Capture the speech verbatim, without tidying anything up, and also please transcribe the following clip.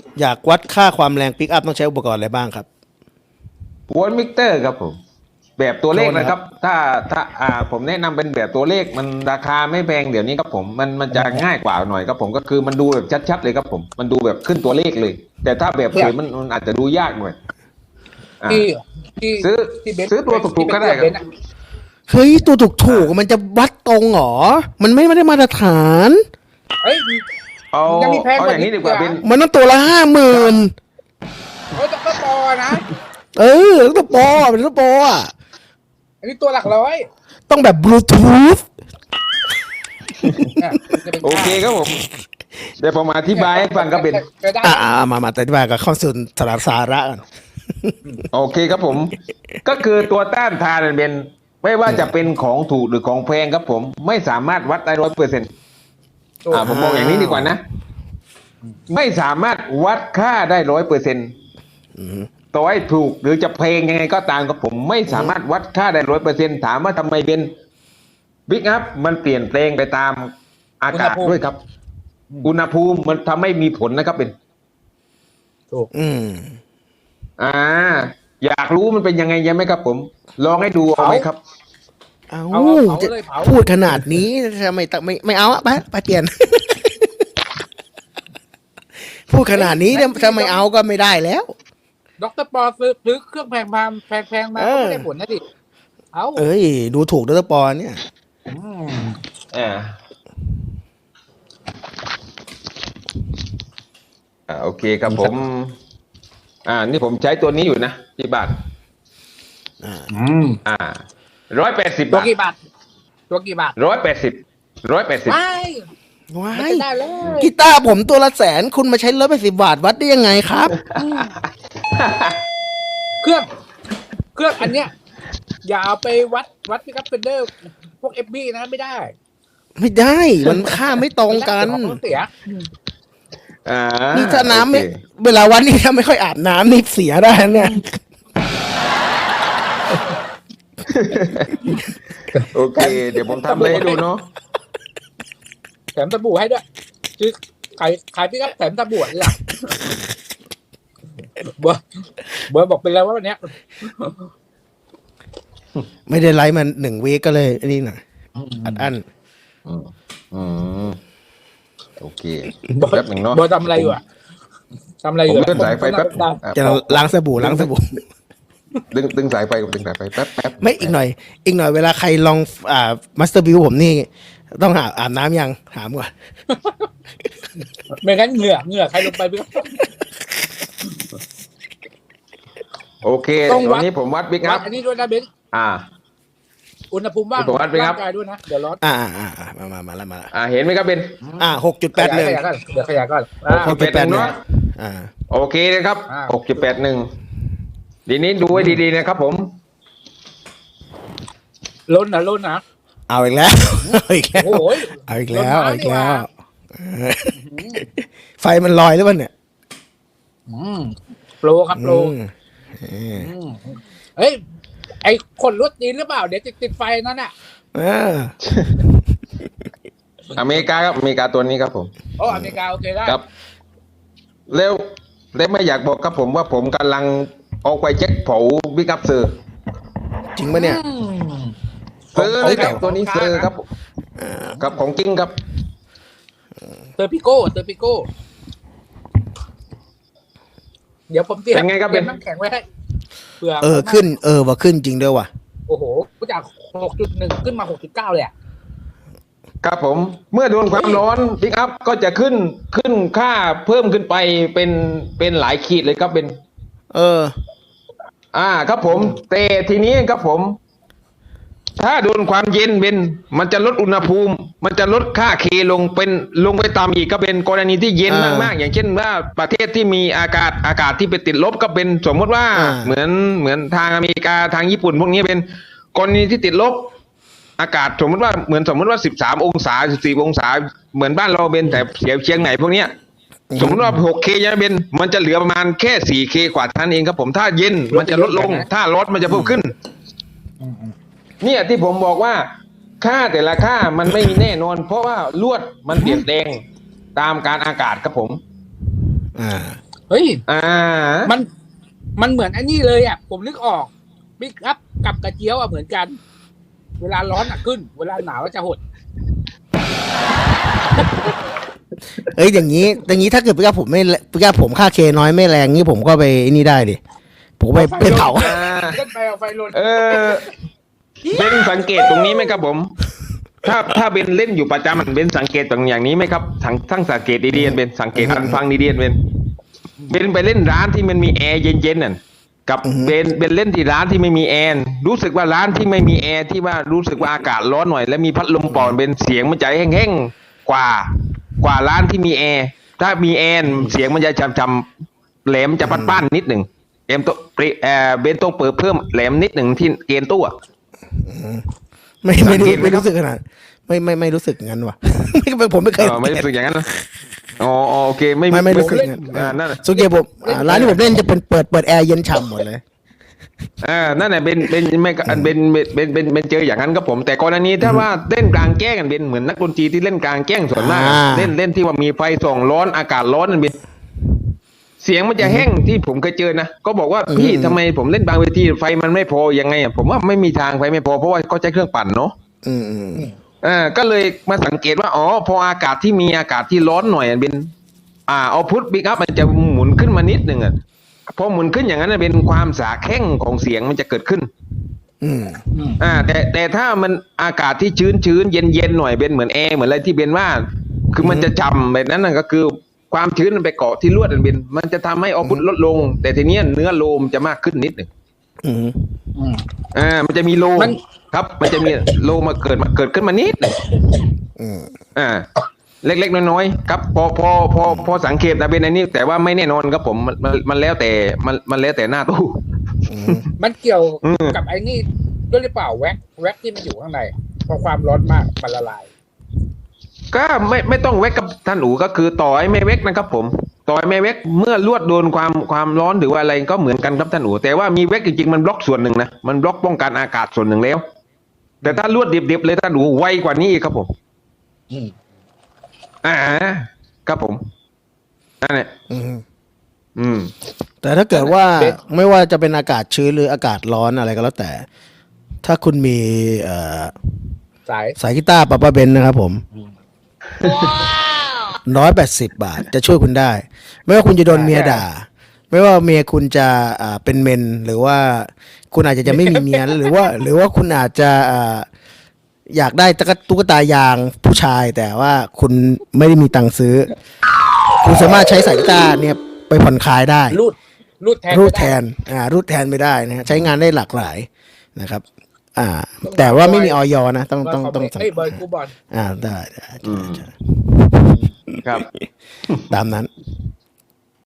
อยากวัดค่าความแรงปิกอัพต้องใช้อุปกรณ์อะไรบ้างครับโวลต์มิเตอร์ครับผมแบบตัวเลขนะครับถ้าถ้าอ่าผมแนะนำเป็นแบบตัวเลขมันราคาไม่แพงเดี๋ยวนี้ครับผมมันมันจะง่ายกว่าหน่อยครับผมก็คือมันดูแบบชัดๆเลยครับผมมันดูแบบขึ้นตัวเลขเลย แต่ถ้าแบบเผยมันมันอาจจะดูยากหน่อยอ่าที่ที่ซื้อที่เบนซ์ซื้อตัวถูกๆก็ได้ครับที่เบนซ์อะเฮ้ยตัวถูกถูกๆมันจะวัดตรงเหรอมันไม่ได้มาตรฐานเฮ้ยเอายังมีแพงเอากว่าอย่างนี้นี้ดีกว่าอีกเป็นอ่ะมันต้องตัวละห้าหมื่นเฮ้ยแต่ก็พอนะเออต้องตัวโปรอะเป็นตัวโปรอ่ะอันนี้ตัวหลักร้อยต้องแบบบลูทูธเนี่ยจะป็นโอเคครับผมเดี๋ยวผมอธิบายให้ฟังครับเป็นจะได้อ่ามามาแต่ที่บายกับข้อสูตรสาระสาระกันโอเคครับผม ก็คือตัวต้านทานเนี่ยเป็นไม่ว่าจะเป็นของถูกหรือของแพงครับผม ไม่สามารถวัดได้ร้อยเปอร์เซ็นต์อ่าผมบอกอย่างนี้ดีกว่านะ ไม่สามารถวัดค่าได้ร้อยเปอร์เซ็นต์ต่อให้ถูกหรือจะแพงยังไงก็ตามครับผม ไม่สามารถวัดค่าได้ร้อยเปอร์เซ็นต์ถามว่าทำไมเป็นบิ๊กอัพมันเปลี่ยนแปลงไปตามอากาศด้วยครับ อุณหภูมิมันทำให้มีผลนะครับเป็นถูกอืมอ่า อยากรู้มันเป็นยังไงยังไหมครับผม ลองให้ดูเอาไหมครับเอาเอาเอาเผาจะเลยเผาพูดขนาดนี้ทำไมไม่ไม่ไม่เอาอะไปไปเปลี่ยน พูดขนาดนี้ทำไมเอาก็ไม่ได้แล้วด็อกเตอร์ปอซื้อซื้อเครื่องแพงมาแพงแพงมาเออก็ไม่ได้ผลนะดิเอาเอ้ย ดูถูกดรปอเนี่ยอืมอ่าอ่าโอเคครับผม อ่า นี่ผมใช้ตัวนี้อยู่นะที่บ้านอืมอ่าร้อยแปดสิบตัวบาทกี่บาท ตัวกี่บาทร้อยแปดสิบร้อยแปดสิบไม่ว้ามันยจะได้เลยกีตาร์ผมตัวละแสนคุณมาใช้ร้อยแปดสิบบาทวัดได้ยังไงครับเครื่อง เครื่องอันเนี้ย อย่าเอาไปวัดวัดพิกัดเฟนเดอร์ พวกเอฟบีนะไม่ได้ไม่ได้ มันค่าไม่ตรงกันเดี๋ยวของเสียอ่านี่ถ้าน้ำไม่โอเคเวลาวันนี้ถ้าไม่ค่อยอาบน้ำนี่เสียได้เนี่ยโอเค เดี๋ยวผมทำอะไรให้ดูเนาะแถมสบู่ให้ด้วยคือขายขายพิกัดแถมสบู่นี่แหละเบอร์เบอร์บอกเป็นแล้วว่าวันเนี้ยไม่ได้ไลฟ์มันหนึ่งวีคก็เลยนี่หน่อยอัดอั้นอืมอืมโอเคแป๊บหนึ่งเนาะเบอร์ทำอะไรอยู่อะทำอะไรอผมยู่เลื่อนสายไฟแป๊บได้อ่ะจะล้างสบู่ล้างสบู่ดึงดึงสายไฟดึงสายไฟแป๊บแป๊บไม่อีกหน่อย อีกหน่อยเวลาใครลองอ่ามาสเตอร์บิวผมนี่ ต้องหาอาบน้ำยังถามก่อนไม่งั้นเหงื่อเหงื่อใครลงไปพี่โอเคต้องวัวัดนนี้ผมวัดบิ๊กวัอัดพอันนี้ด้วยนะเบนซ์อ่าอุณหภูมิว่างผมวัดไปครับร่างกายด้วยนะเดี๋ยวร้อนอ่าอ่าอ่าอ่ามามามาแล้วมาแล้วอ่าเห็นไหมครับเบนอ่าหกจุดแปดหนึ่งขยายก่อนเดี๋ยวขยายก่อนอ่าหกจุดแปดหนึ่งเนาะอ่าโอเคนะครับอ่าหกจุดแปดหนึ่งทีนี้ดูให้ดีๆนะครับผมล้นนะล้นนะเอาอีกแล้ว เอาอีกแล้วโอ้ยเอาอีกแล้วลดน้ำเอาอีกแล้วนี่หว่าเออไฟมันลอยหรือเปล่าเนี่ยอืมโปรครับโปรอืมเอออืมเฮ้ยไอคนรถจีนหรือเปล่าเดี๋ยวจะติดไฟนั่นน่ะเอออเมริกาครับอเมริกาตัวนี้ครับผมโอ้อเมริกาโอเคได้ครับเร็วเร็วไม่อยากบอกครับผมว่าผมกำลังเอาไปเช็คเผาบิ๊กอัพเซอร์จริงปะเนี่ยอืมเซอร์เลยครับของตัวนี้ของเซอร์ครับอ่าครับของจริงครับเตอร์ปิโก้เตอร์ปิโก้เดี๋ยวผมเตรียมเป็นไงครับเตรียมเป็นน้ำแข็งไว้ให้เผื่อเออขึ้น เออว่าขึ้นจริงด้วยว่ะโอ้โหจากหกจุดหนึ่งขึ้นมาหกจุดเก้าเลยอะครับผมเมื่อโดนความร้อนบิ๊กอัพก็จะขึ้นขึ้นค่าเพิ่มขึ้นไปเป็นเป็นหลายขีดเลยครับเป็นเอออ่าครับผมแต่ทีนี้ครับผม ถ้าโดนความเย็นเป็นมันจะลดอุณหภูมิ มันจะลดค่าเคลงเป็นลงไปตามอีกก็เป็นกรณีที่เย็นอ่ามมากๆอย่างเช่นว่าประเทศที่มีอากาศอากาศที่ไปติดลบก็เป็นสมมติว่าอ่าเหมือนเหมือนทางอเมริกาทางญี่ปุ่นพวกนี้เป็นกรณีที่ติดลบ อากาศสมมติว่าเหมือนสมมติว่าสิบสามองศาสิบสี่องศาเหมือนบ้านเราเป็นแต่เสียเชียงไหนพวกเนี้ย สมมติว่า หกเค จะเป็นมันจะเหลือประมาณแค่ สี่เค กว่าเท่านั้นเองครับผมถ้าเย็นมันจะลดลง ถ้าร้อนมันจะเพิ่มขึ้น เนี่ยที่ผมบอกว่าค่าแต่ละค่ามันไม่มีแน่นอน เพราะว่าลวดมันเปลี่ยนแปลงตามการอากาศครับผมอ่าเฮ้ยอ่ามันมันเหมือนอันนี้เลยอ่ะผมนึกออกบิ๊กอัพกับกระเจียวอ่ะเหมือนกัน เวลาร้อนอ่ะขึ้น เวลาหนาวจะหดเอ้ยอย่างนี้อย่างนี้ถ้าเกิดพี่กาผมไม่พี่กาผมค่าเคน้อยไม่แรงนี่ผมก็ไปนี่ได้ดิผมไปไปเผาอ่าเล่นไปเอาไฟลนเออเบนสังเกตตรงนี้ไหมครับผม ถ้าถ้าเบนเล่นอยู่ประจำมันเบนสังเกตตรงอย่างนี้ไหมครับทั้งทั้งสังเกตดีๆเบนสังเกตอันฟังดีๆเบนเบนไปเล่นร้านที่มันมีแอร์เย็นๆน่ะกับเบนเบนเล่นที่ร้านที่ไม่มีแอร์รู้สึกว่าร้านที่ไม่มีแอร์ที่ว่ารู้สึกว่าอากาศร้อนหน่อยแล้วมีพัดลมเป่าเบนเสียงมันจะแห้งๆกว่ากว่าร้านที่มีแอร์ถ้ามีแอร์เสียงมันจะจำๆแหลมจะปัดป้านนิดหนึ่งเอ็มตัวเออเบนต้องเปิดเพิ่มแหลมนิดหนึ่งที่เกณฑ์ตู้อะไม่ไม่รู้สังเกตไหมไม่ครับรู้สึกขนาดไม่ไม่ไม่รู้สึกงั้นว่ะ ไม่ผมไม่เคยเออไม่รู้สึกอย่างนั้นนะอ๋ออ๋อโอเคไม่ไม่ไม่รู้สึกไม่งั้นอ่านั่นน่ะส่วนใหญ่ผมอ่าร้านที่ผมเล่นจะเป็นเปิดเปิดแอร์เย็นฉ่ำหมดเลยอ่านั่นแหละเป็นเป็นไม่เป็นเป็นเป็นเป็นเจออย่างนั้นครับผม แต่กรณีถ้าว่าเล่นกลางแจ้งกันเป็นเหมือนนักดนตรีที่เล่นกลางแจ้งส่วนมากอ่าเล่นเล่นที่ว่ามีไฟส่องร้อนอากาศร้อนนั่นเป็นเสียงมันจะแห้งที่ผมเคยเจอนะก็บอกว่าพี่ทำไมผมเล่นบางเวทีไฟมันไม่พอยังไงอ่ะผมว่าไม่มีทางไฟไม่พอเพราะว่าเขาใช้เครื่องปั่นเนาะอืมอืมอ่าก็เลยมาสังเกตว่าอ๋อพออากาศที่มีอากาศที่ร้อนหน่อยเป็นอ่าเอาพุทบิ๊กอัพมันจะหมุนขึ้นมานิดหนึ่งอ่ะพอหมุนขึ้นอย่างนั้นเป็นความสาแข้งของเสียงมันจะเกิดขึ้นอืมอ่าแต่แต่ถ้ามันอากาศที่ชื้นชื้นเย็นเย็นหน่อยเป็นเหมือนแอร์เหมือนอะไรที่เบนว่า คือมันจะจำแบบนั้นนะก็คือความชื้นมันไปเกาะที่ลวดอันเบนมันจะทำให้เอาพุทลดลง แต่ทีเนี้ยเนื้อโลมจะมากขึ้นนิดหนึ่งอืมอืมอ่ามันจะมีโลมันครับ มันจะมีโลมาเกิดมาเกิดขึ้นมานิดหนึ่งอืมอ่าเล็กๆน้อยๆครับพอพอพอพอสังเกตนะเป็นอันนี้แต่ว่าไม่แน่นอนครับผมมันมันมันแล้วแต่มันมันแล้วแต่หน้าตู้อืมมันเกี่ยวอืมกับไอ้นี่ด้วยหรือเปล่าแว็กแว็กที่มันอยู่ข้างในพอความร้อนมากมันละลายก็ไม่ไม่ต้องเวกกับท่านอูก็คือต่อให้ไม่เวกนะครับผมต่อให้ไม่เวกเมื่อลวดโดนความความร้อนหรือว่าอะไรก็เหมือนกันครับท่านอูแต่ว่ามีเวกจริงๆมันบล็อกส่วนหนึ่งนะมันบล็อกป้องกันอากาศส่วนหนึ่งแล้ว แต่ถ้าลวดดิบๆเลยท่านอูไวกว่านี้อีกครับผมอืมอ่าครับผมนั่นแหละอืมอืมแต่ถ้าเกิดว่าไม่ว่าจะเป็นอากาศชื้นหรืออากาศร้อนอะไรก็แล้วแต่ ถ้าคุณมีเอ่อสายสายกีตาร์ปาปาเบนนะครับผมร้อยแปดสิบบาทจะช่วยคุณได้ ไม่ว่าคุณจะโดนเมียด่า ไม่ว่าเมียคุณจะอ่าเป็นเมน หรือว่าคุณอาจจะจะไม่มีเมีย หรือว่า หรือว่าคุณอาจจะอ่าอยากได้ตุ๊กตุ๊กตายางผู้ชาย แต่ว่าคุณไม่ได้มีตังค์ซื้อ คุณสามารถใช้สายกีตาร์เนี่ยไปผ่อนคลายได้รูดรูดแทนรูดไม่แทได้น อ่า รูดแทนไม่ได้นะฮะใช้งานได้หลากหลายนะครับ อ่า แต่ว่าไม่มีออยนะ ต้องต้องต้องเฮ้ยเบอร์กูบอลอ่า ได้ได้อืมใช่ครับตามนั้น